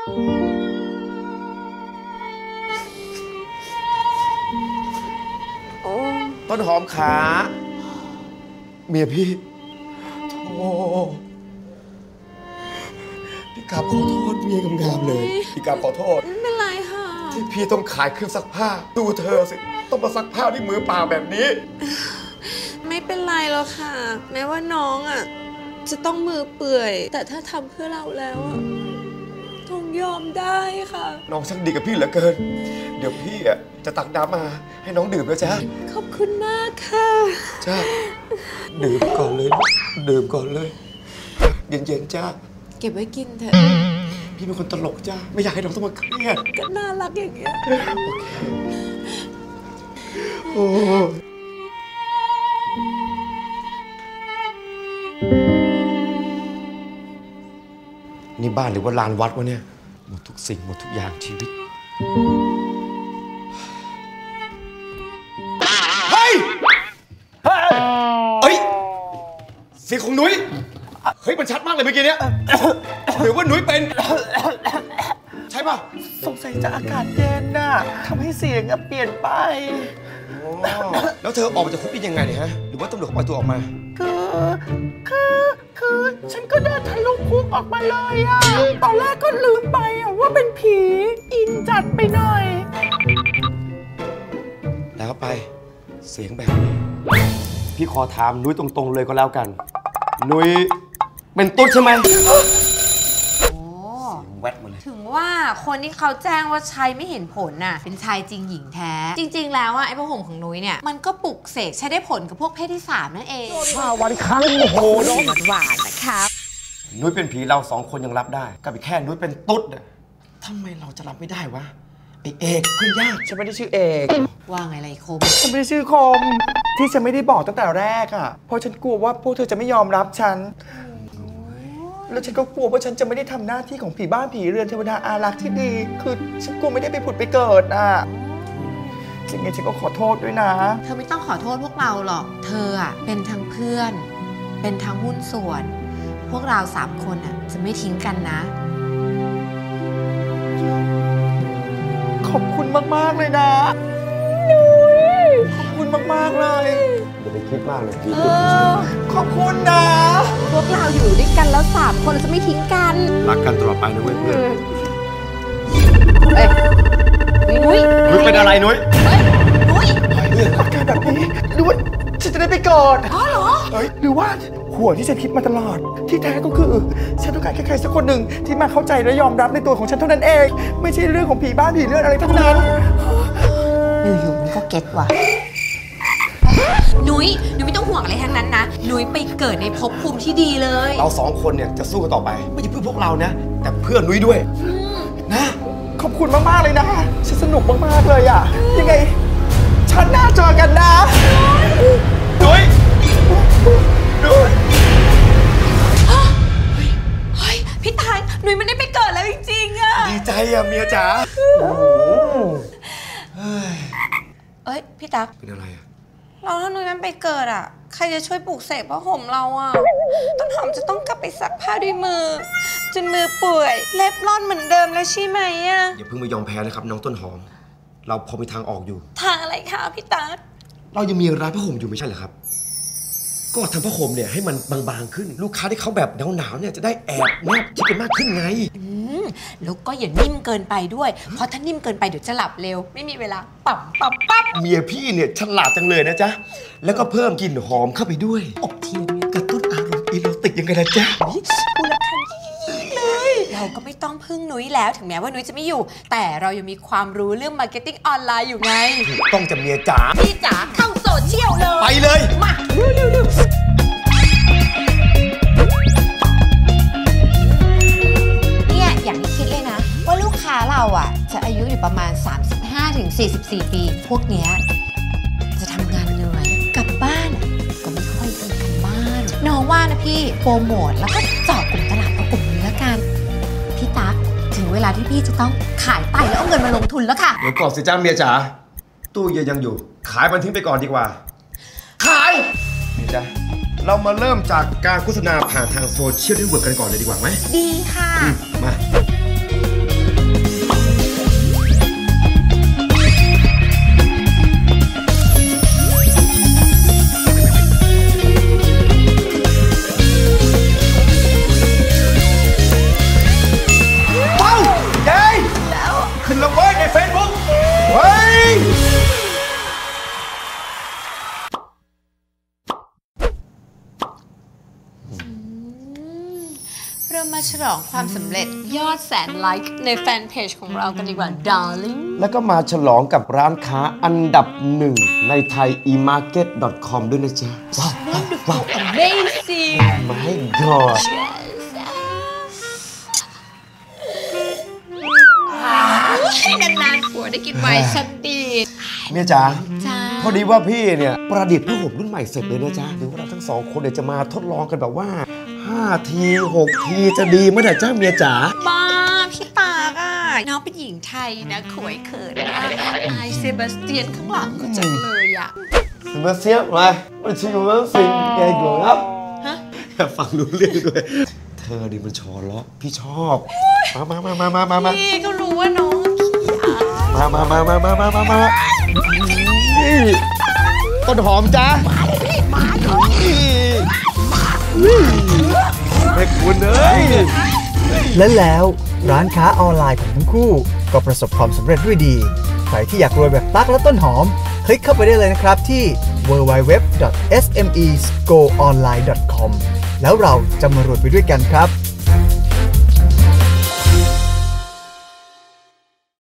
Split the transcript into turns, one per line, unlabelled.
ต้นหอมขาเมียพี่โธ่พี่กราบขอโทษเมียงามๆเลยพี่กราบขอโทษ
ไม่เป็นไรค่ะ
ที่พี่ต้องขายเครื่องซักผ้าดูเธอสิต้องมาซักผ้าด้วยมือเปล่าแบบนี้
ไม่เป็นไรหรอกค่ะแม้ว่าน้องอ่ะจะต้องมือเปื่อยแต่ถ้าทำเพื่อเราแล้วอ่ะต้องยอมได้ค่ะ
น้องช่างดีกับพี่เหลือเกินเดี๋ยวพี่อ่ะจะตักน้ำมาให้น้องดื่มนะจ๊ะ
ขอบคุณมากค่ะ
จ้าดื่มก่อนเลยดื่มก่อนเลยเย็นๆจ้า
เก็บไว้กินเถอะ
พี่เป็นคนตลกจ้าไม่อยากให้น้องต้องมาเครียด
ก็น่ารักอย่างเงี้ย
โอ้นี่บ้านหรือว่าลานวัดวะเนี่ยหมดทุกสิ่งหมดทุกอย่างชีวิตเฮ้ยเฮ้ยเสียงของนุ้ยเฮ้ยมันชัดมากเลยเมื่อกี้เนี้ยหรือว่านุ้ยเป็นใช่ป่ะ
สงสัยจะอากาศเย็นน่ะทำให้เสียงเปลี่ยนไป
แล้วเธอออกมาจากคุกได้ยังไงเนี่ยฮะหรือว่าตำรวจเขาปล่อยตัวออกมา
คือฉันก็เดินทะลุคุกออกมาเลยอะตอนแรกก็ลืมไปอะว่าเป็นผีอินจัดไปหน่อย
แล้วไปเสียงแบบนี้พี่ขอถามนุ้ยตรงๆเลยก็แล้วกันนุ้ยเป็นตุ๊ดใช่ไหม
ถึงว่าคนที่เขาแจ้งว่าใช้ไม่เห็นผลน่ะเป็นชายจริงหญิงแท้จริงๆแล้วไอ้ผ้าห่มของนุ้ยเนี่ยมันก็ปลุกเสกใช้ได้ผลกับพวกเพศที่3นั่นเอง
5 วันครั้งโอ้โหน้อง
หวานนะครับ
นุ้ยเป็นผีเรา2 คนยังรับได้กับอีกแค่นุ้ยเป็นตุ๊ดทำไมเราจะรับไม่ได้วะไอเอกเพื่อนยาก
ฉันไม่ได้ชื่อเอก
ว่าไงไรคม
ฉันไม่ได้ชื่อคมที่ฉันไม่ได้บอกตั้งแต่แรกอ่ะเพราะฉันกลัวว่าพวกเธอจะไม่ยอมรับฉันแล้วฉันก็กลัวว่าฉันจะไม่ได้ทำหน้าที่ของผีบ้านผีเรือนเทวดาอารักษ์ที่ดีคือฉันกลัวไม่ได้ไปผุดไปเกิดอ่ะสิ่งนี้ฉันก็ขอโทษด้วยนะ
เธอไม่ต้องขอโทษพวกเราหรอกเธออ่ะเป็นทั้งเพื่อนเป็นทั้งหุ้นส่วนพวกเรา3 คนอ่ะจะไม่ทิ้งกันนะ
ขอบคุณมากๆเลยนะขอบคุณมากๆเลย
อย่าไปคิดมากเลย
ขอบคุณนะ
พวกเราอยู่ด้วยกันแล้ว3 คนเราจะไม่ทิ้งกัน
รักกันตลอดไปนะเว้ยเพื่อน
นุ้ย
เป็นอะไรนุ้ย
นุ้ย
อาการแบบนี้หรือว่าฉันจะได้ไปก่อน
อ๋อเหรอ
หรือว่าหัวที่ฉันคิดมาตลอดที่แท้ก็คือฉันต้องการแค่ใครสักคนหนึ่งที่มาเข้าใจและยอมรับในตัวของฉันเท่านั้นเองไม่ใช่เรื่องของผีบ้านผีเรือนอะไรทั้งนั้น
อยู่ๆมันก็เก็ตว่ะนุ้ยไม่ต้องห่วงอะไรทั้งนั้นนะนุ้ยไปเกิดในภพภูมิที่ดีเลย
เรา2 คนเนี่ยจะสู้กันต่อไปไม่ใช่เพื่อพวกเรานะแต่เพื่อนุ้ยด้วยนะ
ขอบคุณมากๆเลยนะฉันสนุกมากๆเลยอ่ะยังไงฉันน่าเจอกันนะ
นุ้ย
เฮ้ยพี่ตายนุ้ยไม่ได้ไปเกิดแล้วจริงๆอะ
ดีใจอะเมียจ๋า
เอ้ยพี่ตั๊ก
เป็นอะไรอะ
เราถ้านุ้ยมันไปเกิดอะใครจะช่วยปลูกเสกผ้าห่มเราอะต้นหอมจะต้องกลับไปซักผ้าด้วยมือจนมือเปื่อยเล็บร่อนเหมือนเดิมแล้วใช่ไหมอะ
อย่าเพิ่งไปยอมแพ้นะครับน้องต้นหอมเราพอมีทางออกอยู่
ทางอะไรคะพี่ตั๊ก
เรายังมีร้านผ้าห่มอยู่ไม่ใช่เหรอครับก็ทำผ้าห่มเนี่ยให้มันบางๆขึ้นลูกค้าที่เขาแบบหนาวๆเนี่ยจะได้แอบแนบชิดกันมากขึ้นไง
แล้วก็อย่านิ่มเกินไปด้วยเพราะถ้านิ่มเกินไปเดี๋ยวจะหลับเร็วไม่มีเวลาปั๊บ
เมียพี่เนี่ยฉลาดจังเลยนะจ๊ะแล้วก็เพิ่มกลิ่นหอมเข้าไปด้วย
อบเทียน
กระตุ้นอารมณ์อีโรติกยังไงนะจ๊ะ
พูดแล้วคันเลยเราก็ไม่ต้องพึ่งนุ้ยแล้วถึงแม้ว่านุ้ยจะไม่อยู่แต่เรายังมีความรู้เรื่องมาร์เก็ตติ้งออนไลน์อยู่ไง
ต้องจะเมียจ๋า
พี่จ๋าเข้าโซเชียลเลย
ไปเลย
มาเร็วเนี่ยอย่างที่คิดเลยนะว่าลูกค้าเราอ่ะจะอายุอยู่ประมาณ 35-44 ปีพวกเนี้ยจะทำงานเหนื่อยกลับบ้านก็ไม่ค่อยทำกันบ้านน้องว่านะพี่โปรโมทแล้วก็เจาะกลุ่มตลาดเอากลุ่มนี้แล้วกันพี่ตั๊กถึงเวลาที่พี่จะต้องขายไตแล้วเอาเงินมาลงทุนแล้วค่ะ
เดี๋ยวก่อนสิจ้าเมียจ๋าตู้เย็นยังอยู่ขายมันทิ้งไปก่อนดีกว่าขายนี่จ้ะเรามาเริ่มจากการโฆษณาผ่านทางโซเชียลเน็ตเวิร์กกันก่อนเลยดีกว่าไหม
ดีค่ะ
มา
ฉลองความสำเร็จยอดแสนไลค์ในแฟนเพจของเรากันดีกว่า darling
แล้วก็มาฉลองกับร้านค้าอันดับ1ในไทย emarket.com ด้วยนะจ๊ะ
wonderful amazing
My God
นานๆผัวได้กินไวน์ชันดี
เมียจ๋า
จ้า
พอดีว่าพี่เนี่ยประดิษฐ์ผ้าห่มรุ่นใหม่เสร็จเลยนะจ๊ะเดี๋ยวเราทั้งสองคนเนี่ยจะมาทดลองกันแบบว่า5 ที 6 ทีจะดีเมื่อไหร่จ้าเมียจ๋า
บ้าพี่ตากอ่ะน้องเป็นหญิงไทยนะขวยเขินมากนายเซบาสเตียนข้างหลังก็จังเลยอ่ะ
มาเสียบมาไม่ใช่ว่าสิ่งแกกลัวครับ
ฮะ
ฟังรู้เรื่องด้วยเธอดิมันชอเลาะพี่ชอบมา
พี่ก็รู้ว่าน้องขี้อาย
มานี่ต้นหอมจ้ามาแม่คุณเอ้ย
และแล้วร้านค้าออนไลน์ของทั้งคู่ก็ประสบความสำเร็จด้วยดี ใครที่อยากรวยแบบตั๊กและต้นหอมคลิกเข้าไปได้เลยนะครับที่ www.smesgoonline.com แล้วเราจะมารวยไปด้วยกันครับ